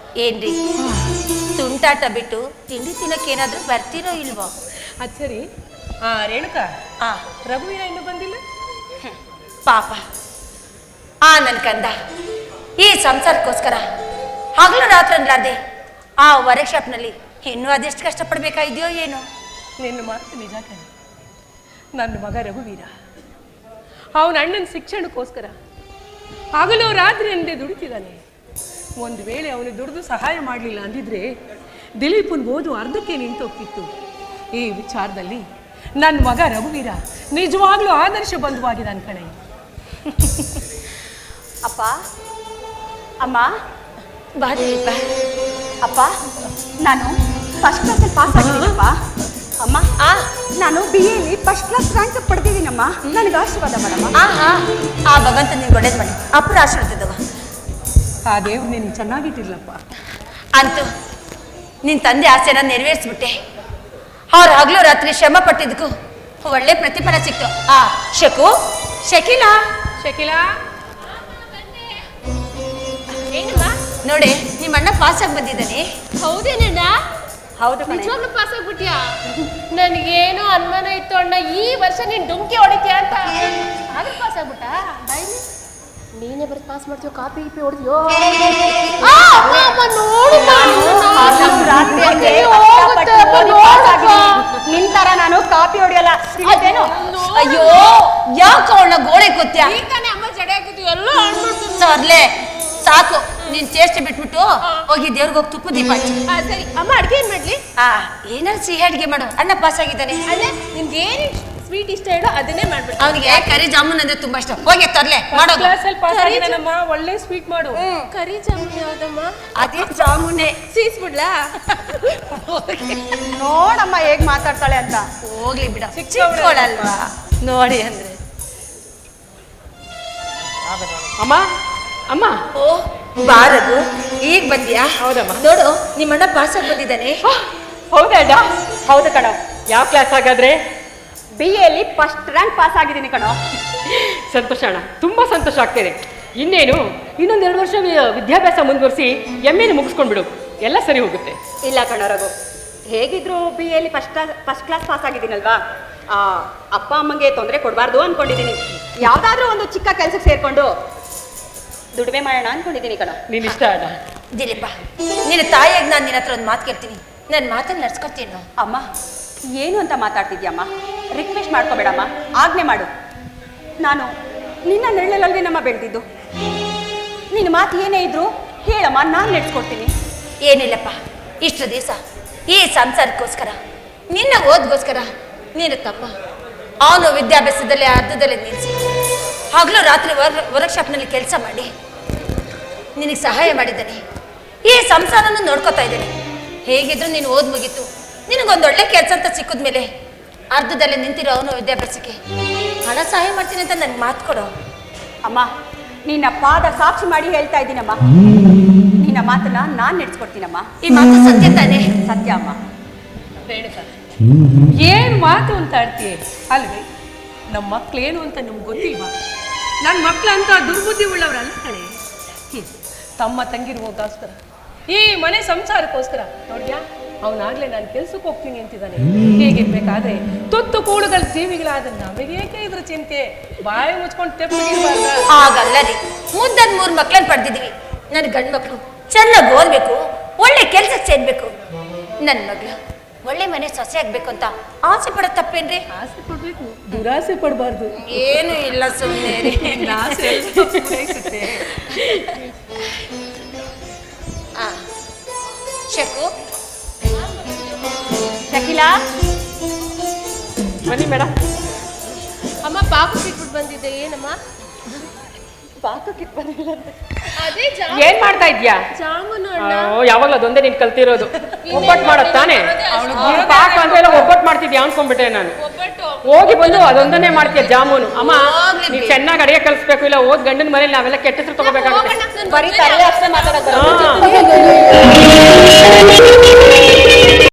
ಏನ್ರಿ ತುಂಟಾಟ ಬಿಟ್ಟು ತಿಂಡಿ ತಿನ್ನಕ್ಕೇನಾದ್ರೂ ಬರ್ತೀರೋ ಇಲ್ವೋ? ಅದು ಸರಿ. ರೇಣುಕಾ, ರಘುವೀರ ಇನ್ನೂ ಬಂದಿಲ್ಲ? ಪಾಪ ನನ್ನ ಕಂದ ಈ ಸಂಸಾರಕ್ಕೋಸ್ಕರ ಹಗಲು ರಾತ್ರಿ ಅನ್ಲಾರ್ದೆ ಆ ವರ್ಕ್ಶಾಪ್ನಲ್ಲಿ ಇನ್ನೂ ಅದೆಷ್ಟು ಕಷ್ಟಪಡ್ಬೇಕಾಗಿದೆಯೋ ಏನೋ. ನಿನ್ನ ಮಾತು ನಿಜ ಕಣೆ. ನನ್ನ ಮಗ ರಘುವೀರ ಅವನ ಅಣ್ಣನ ಶಿಕ್ಷಣಕ್ಕೋಸ್ಕರ ಹಗಲು ರಾತ್ರಿ ಎಂದೇ ದುಡಿತಿದ್ದಾನೆ. ಒಂದು ವೇಳೆ ಅವನು ದುಡಿದು ಸಹಾಯ ಮಾಡಲಿಲ್ಲ ಅಂದಿದ್ರೆ ದಿಲೀಪನ್ ಓದು ಅರ್ಧಕ್ಕೆ ನಿಂತೋಗ್ತಿತ್ತು. ಈ ವಿಚಾರದಲ್ಲಿ ನನ್ನ ಮಗ ರಘುವೀರ ನಿಜವಾಗ್ಲೂ ಆದರ್ಶ ಬಂಧುವಾಗಿದ್ದಾನೆ ಕಣೆ. ಅಪ್ಪ, ಅಮ್ಮ, ಬಾ ದಿಲೀಪ. ಅಪ್ಪ, ನಾನು ಫಸ್ಟ್ ಕ್ಲಾಸಲ್ಲಿ ಪಾಸ್ ಆಗಿದ್ದೀನಪ್ಪ. ಅಮ್ಮ, ನಾನು BA ಫಸ್ಟ್ ಕ್ಲಾಸ್ ರ್ಯಾಂಕ್ ಪಡೆದಿದ್ದೀನಮ್ಮ. ನನಗೆ ಆಶೀರ್ವಾದ ಮಾಡಮ್ಮ. ಆ ಭಗವಂತ ನೀನು ಒಳ್ಳೇದು ಮಾಡಿ ಅಪ್ಪರ ಆಶೀರ್ವಾದವ. ಆ ದೇವ್ರು ನೀನು ಚೆನ್ನಾಗಿಟ್ಟಿರ್ಲಪ್ಪ. ಅಂತೂ ನಿನ್ನ ತಂದೆ ಆಸೆನ ನೆರವೇರಿಸ್ಬಿಟ್ಟೆ. ಅವ್ರು ಹಗಲು ರಾತ್ರಿ ಶ್ರಮ ಪಟ್ಟಿದ್ದಕ್ಕೂ ಒಳ್ಳೆ ಪ್ರತಿಫಲ ಸಿಕ್ತು. ಶಕೀಲಾ ಏನಮ್ಮ ನೋಡಿ, ನಿಮ್ಮ ಅಣ್ಣ ಪಾಸ್ ಆಗಿ ಬಂದಿದ್ದಾನೆ. ಹೌದೇನಣ್ಣ? ಹೌದು, ನಿಜವಾಗ್ಲೂ ಪಾಸ್ ಆಗ್ಬಿಟ್ಯಾ? ನನಗೇನೋ ಅನುಮಾನ ಇತ್ತು ಅಣ್ಣ, ಈ ವರ್ಷ ನೀನ್ ಡುಂಕಿ ಹೊಡಿತೀಯ ಅಂತ. ಆದ್ರೆ ಪಾಸ್ ಆಗ್ಬಿಟ್ಟ? ನೀನೇ ಬರೀ ಪಾಸ್ ಮಾಡ್ತೀಯೋ, ಕಾಪಿ ಗಿಪಿ ಹೊಡೆದ್ಯೋ? ನಿಂತರ ನಾನು ಕಾಪಿ ಹೊಡಿಯಲ್ಲ. ಅಯ್ಯೋ, ಯಾಕೆ ಅವಳ ಗೋಳೆ ಗೊತ್ತ್ಯಾ? ಅಮ್ಮ ಜಡೆ ಹಾಕಿದ್ವಿ ಎಲ್ಲ ಸರ್ಲೆ ಸಾಕು, ನೀನ್ ಚೇಷ್ಟೆ ಬಿಟ್ಬಿಟ್ಟು ಹೋಗಿ ದೇವ್ರಿಗೆ ಹೋಗಿ ತುಪ್ಪ ದೀಪ ಹಚ್ಚಿ. ಸರಿ ಅಮ್ಮ, ಅಡ್ಗೆ ಏನ್ ಮಾಡ್ಲಿ? ಏನಾದ್ರು ಸಿಹಿ ಅಡ್ಗೆ ಮಾಡು. ಅಣ್ಣ ಪಾಸ್ ಆಗಿದ್ದಾನೆ. ಅಲ್ಲೇ ನಿನ್ಗೆ ಏನು ಸ್ವೀಟ್ ಇಷ್ಟ ಹೇಳೋ ಅದನ್ನೇ ಮಾಡ್ಬಿಡು. ಅವನಿಗೆ ಕರಿ ಜಾಮೂನ್ ಅಂದ್ರೆ ತುಂಬಾ ಇಷ್ಟ. ಹೋಗಿ ತರ್ಲೆ ಮಾಡೋ. ಒಳ್ಳೆ ಸ್ವೀಟ್ ಮಾಡು. ಕರಿ ಜಾಮೂನ್ ಯಾವ್ದಮ್ಮ? ಅದೇ ಜಾಮೂನೆ. ಸೀಸ್ಬಿಡ್ಲಾ? ನೋಡಮ್ಮ ಹೇಗ್ ಮಾತಾಡ್ತಾಳೆ ಅಂತ. ಹೋಗ್ಲಿ ಬಿಡ, ಚಿಕ್ಕವಳಲ್ವಾ ನೋಡಿ ಅಂದ್ರೆ. ಅಮ್ಮ ಅಮ್ಮ, ಓ ಬಾರದು, ಈಗ ಬಂದ್ಯಾ? ಹೌದಮ್ಮ. ನೋಡು, ನಿಮ್ಮಣ್ಣ ಪಾಸ್ ಆಗಿ ಬಂದಿದ್ದಾನೆ. ಹೌದಾ? ಹೌದು ಕಣೋ. ಯಾವ ಕ್ಲಾಸ್ ಹಾಗಾದ್ರೆ? BA ಫಸ್ಟ್ ರ್ಯಾಂಕ್ ಪಾಸ್ ಆಗಿದ್ದೀನಿ ಕಣೋ. ಸಂತೋಷ ಅಣ್ಣ, ತುಂಬಾ ಸಂತೋಷ ಆಗ್ತಿದೆ. ಇನ್ನೇನು ಇನ್ನೊಂದು 2 ವರ್ಷ ವಿದ್ಯಾಭ್ಯಾಸ ಮುಂದುವರಿಸಿ MA ಮುಗಿಸ್ಕೊಂಡ್ಬಿಡು, ಎಲ್ಲ ಸರಿ ಹೋಗುತ್ತೆ. ಇಲ್ಲ ಕಣೋ ರಘು, ಹೇಗಿದ್ರು BA ಫಸ್ಟ್ ಕ್ಲಾಸ್ ಪಾಸ್ ಆಗಿದ್ದೀನಲ್ವಾ, ಅಪ್ಪ ಅಮ್ಮಂಗೆ ತೊಂದರೆ ಕೊಡಬಾರ್ದು ಅನ್ಕೊಂಡಿದ್ದೀನಿ. ಯಾವುದಾದ್ರೂ ಒಂದು ಚಿಕ್ಕ ಕೆಲಸಕ್ಕೆ ಸೇರ್ಕೊಂಡು ದುಡಿಮೆ ಮಾಡೋಣ ಅನ್ಕೊಂಡಿದ್ದೀನಿ ಕಣೋ. ನೀನ್ ಇಷ್ಟ ಅಣ್ಣ. ದಿಲೀಪ, ನಿನ್ನ ತಾಯಿಯಾಗಿ ನಾನು ನಿನ್ನ ಹತ್ರ ಒಂದು ಮಾತು ಕೇಳ್ತೀನಿ, ನನ್ನ ಮಾತನ್ನು ನಡ್ಸ್ಕೊತೀನಿ. ಅಮ್ಮ, ಏನು ಅಂತ ಮಾತಾಡ್ತಿದ್ಯಮ್ಮ? ರಿಕ್ವೆಸ್ಟ್ ಮಾಡ್ಕೋಬೇಡಮ್ಮ, ಆಜ್ಞೆ ಮಾಡು. ನಾನು ನಿನ್ನ ನೆರಳಲ್ಲಿ ನಮ್ಮ ಬೆಳೆದಿದ್ದು. ನಿನ್ನ ಮಾತು ಏನೇ ಇದ್ರು ಹೇಳಮ್ಮ, ನಾನು ನಡೆಸ್ಕೊಡ್ತೀನಿ. ಏನಿಲ್ಲಪ್ಪ, ಇಷ್ಟು ದಿವಸ ಈ ಸಂಸಾರಕ್ಕೋಸ್ಕರ, ನಿನ್ನ ಓದ್ಗೋಸ್ಕರ ನೀನು ತಮ್ಮ ಅವನು ವಿದ್ಯಾಭ್ಯಾಸದಲ್ಲಿ ಅರ್ಧದಲ್ಲಿ ನಿಲ್ಲಿಸಿ ಹಗಲು ರಾತ್ರಿ ವರ್ಕ್ಶಾಪ್ನಲ್ಲಿ ಕೆಲಸ ಮಾಡಿ ನಿನಗೆ ಸಹಾಯ ಮಾಡಿದ್ದಾನೆ. ಈ ಸಂಸಾರನ ನೋಡ್ಕೋತಾ ಇದ್ದೇನೆ. ಹೇಗಿದ್ರು ನೀನು ಓದ್ ಮುಗೀತು, ನಿನಗೊಂದೊಳ್ಳೆ ಕೆಲಸ ಅಂತ ಸಿಕ್ಕಿದ್ಮೇಲೆ ಅರ್ಧದಲ್ಲಿ ನಿಂತಿರೋ ಅವನು ವಿದ್ಯಾಭ್ಯಾಸಕ್ಕೆ ಹಣ ಸಹಾಯ ಮಾಡ್ತೀನಿ ಅಂತ ನನಗೆ ಮಾತು ಕೊಡು. ಅಮ್ಮ, ನಿನ್ನ ಪಾದ ಸಾಕ್ಷಿ ಮಾಡಿ ಹೇಳ್ತಾ ಇದ್ದೀನಮ್ಮ, ನಿನ್ನ ಮಾತನ್ನ ನಾನು ನಡೆಸ್ಕೊಡ್ತೀನಮ್ಮ. ಈ ಮಾತು ಸತ್ಯ ತಾನೆ? ಸತ್ಯ ಅಮ್ಮ. ರೇಣುಕಾ, ಏನ್ ಮಾತು ಅಂತ ಆಡ್ತೀಯ ಅಲ್ವೇ? ನಮ್ಮ ಮಕ್ಳೇನು ಅಂತ ನಿಮ್ಗೆ ಗೊತ್ತಿಲ್ವಾ? ನನ್ನ ಮಕ್ಳಂತ ದುರ್ಬುದ್ಧಿ ಉಳ್ಳವರಲ್ಲ ಕಣೆ. ತಮ್ಮ ತಂಗಿರುವಗೋಸ್ಕರ, ಈ ಮನೆ ಸಂಸಾರಕ್ಕೋಸ್ಕರ ನೋಡ್ಯಾ, ಅವನಾಗ್ಲೇ ನಾನು ಕೆಲ್ಸಕ್ಕೆ ಹೋಗ್ತೀನಿ ಅಂತಿದ್ದಾನೆ. ಹೇಗಿರ್ಬೇಕಾದ್ರೆ ತುತ್ತು ಕೂಡುಗಳ ಜೀವಿಗಳಾದ ನಮಗೇಕೆ ಇದ್ರ ಚಿಂತೆ? ಬಾಯಿ ಮುಚ್ಕೊಂಡು ತೆಪ್ಪಿಗಿರ್ಬಾರ್ದ? ಹಾಗಲ್ಲ ರೀ, ಮುದ್ದನ್ 3 ಮಕ್ಳನ್ನ ಪಡೆದಿದ್ದೀವಿ. ನನ್ನ ಗಂಡು ಮಕ್ಕಳು ಚೆನ್ನಾಗಿ ಓದ್ಬೇಕು, ಒಳ್ಳೆ ಕೆಲ್ಸಕ್ಕೆ ಸೇರ್ಬೇಕು. ನನ್ನ ಮಗಳು ಒಳ್ಳೆ ಮನೆ ಸೊಸೆ ಆಗ್ಬೇಕು ಅಂತ ಆಸೆ ಪಡೋ ತಪ್ಪೇನ್ರಿ? ಆಸೆ ಪಡ್ಬೇಕು, ದುರಾಸೆ ಪಡಬಾರ್ದು. ಏನು ಇಲ್ಲ, ಸುಮ್ಮನೆ ಶಕು. ಶಕೀಲಾ, ಬನ್ನಿ ಮೇಡಮ್. ಅಮ್ಮ, ಪಾಪು ಸಿಕ್ಬಿಟ್ಟು ಬಂದಿದ್ದೆ. ಏನಮ್ಮ? ಪಾಕಕ್ಕೆ ಬಂದಿಲ್ಲ. ಅದೇ ಏನ್ ಮಾಡ್ತಾ ಇದ್ಯಾ? ಜಾಮೂನು. ಯಾವಾಗ್ಲೂ ಅದೊಂದೇ ನೀನ್ ಕಲ್ತಿರೋದು. ಒಬ್ಬಟ್ಟು ಮಾಡೋದ್ ತಾನೆ? ಪಾಕ ಅಂದ್ರೆ ಒಬ್ಬಟ್ಟು ಮಾಡ್ತಿದ್ಯಾ ಅನ್ಕೊಂಡ್ಬಿಟ್ಟೆ ನಾನು. ಹೋಗಿ ಬಂದು ಅದೊಂದನ್ನೇ ಮಾಡ್ತೀಯ ಜಾಮೂನು. ಅಮ್ಮ, ನೀವ್ ಚೆನ್ನಾಗಿ ಅಡಿಗೆ ಕಲಿಸ್ಬೇಕು, ಇಲ್ಲ ಹೋದ್ ಗಂಡನ ಮನೇಲಿ ನಾವೆಲ್ಲ ಕೆಟ್ಟ ಹೆಸರು ತಗೋಬೇಕಾಗುತ್ತೆ. ಬರೀ ತರಲೆ ಅಷ್ಟೇ ಮಾತಾಡೋದು.